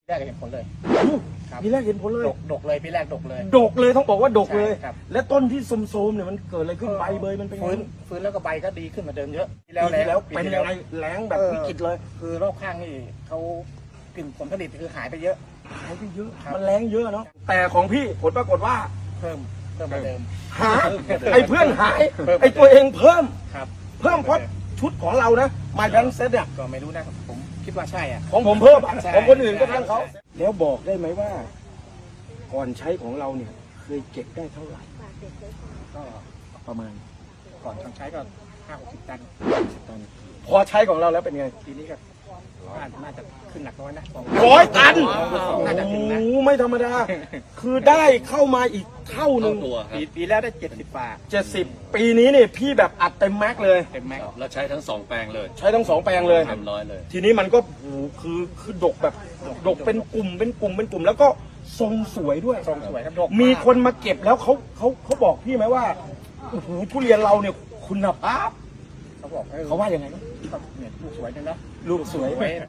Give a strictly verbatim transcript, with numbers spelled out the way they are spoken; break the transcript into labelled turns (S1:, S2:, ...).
S1: แรกเห็นผลเลยครับ
S2: ปีแรกเห็นผลเลย
S1: ดกดกเลยปีแรกดกเลย
S2: ดกเลยต้องบอกว่าดกเลย
S1: ใช่ครับ
S2: และต้นที่โทรมๆเนี่ยมันเกิดอะไรขึ้นใบเบยมันเป็นไง
S1: ฟื้นฟื้นแล้วก็ใบก็ดีขึ้นกว่าเดิมเยอะปี
S2: ปีที่แล้ว
S1: ปี
S2: เป็น
S1: ที่
S2: ยังไงแล้งแบบวิกฤตเลย
S1: คือรอบข้างนี่เขากลิ่นผลผลิตคือหายไปเยอะ
S2: หายไปเยอะ
S1: ครับ
S2: มันแรงเยอะเนาะแต่ของพี่ผลปรากฏว่า
S1: เพิ่มเพิ่มกว่าเดิม
S2: หายไอ้เพื่อนหายไอ้ตัวเองเพิ่ม
S1: ครับ
S2: เพิ่มเพราะชุดของเรานะมาแบงเซตเนี่ย
S1: ก็ไม่รู้นะผมคิดว่าใช่อ่ะ
S2: ของผมเพิ่มอะ
S1: ใช่
S2: ของคนอื่นก็ทั้งเขาแล้วบอกได้ไหมว่า ก่อนใช้ของเราเนี่ยเคยเก็บได้เท่าไหร่
S1: ก็
S2: ประมาณ
S1: ก่อนทำใช้ก็ห้าหกสิบตัน
S2: ตันพอใช้ของเราแล้วเป็นไง
S1: ทีนี้ก็น่าน่าจะขึ้นหนักน้อยนะ
S2: ร้อยตัน
S1: น่าจะถึงนะ
S2: โอ้โหไม่ธรรมดา คือได้เข้ามาอีกเท่าหนึ่ง
S3: ตัวครั
S1: ปี
S3: บ
S1: ปีแล้วได้เจ็ดสิบฝา
S2: เจ็ดสิบปีนี้เนี่ยพี่แบบอัดเต็มแม็กซ์เลย
S1: เต็มแม็กซ์
S3: แล้วใช้ทั้งสองแปลงเลย
S2: ใช้ทั้งสองแปลงเลย
S3: เต็มร้อยเลย
S2: ทีนี้มันก็โอ้โหคือคือดกแบบดกเป็นกลุ่มเป็นกลุ่มเป็นกลุ่ม แล้วก็ทรงสวยด้วย
S1: ทรงสวยครับดก
S2: มีคนมาเก็บแล้วเขาเขาเขาบอกพี่ไหมว่าโอ้โหทุเรียนเราเนี่ยคุณภาพ
S1: เขาบอก
S2: เขาว่ายังไงบ้าง
S1: เนี่ยลูกสวยจังนะ
S2: ลูกสวย
S1: สวย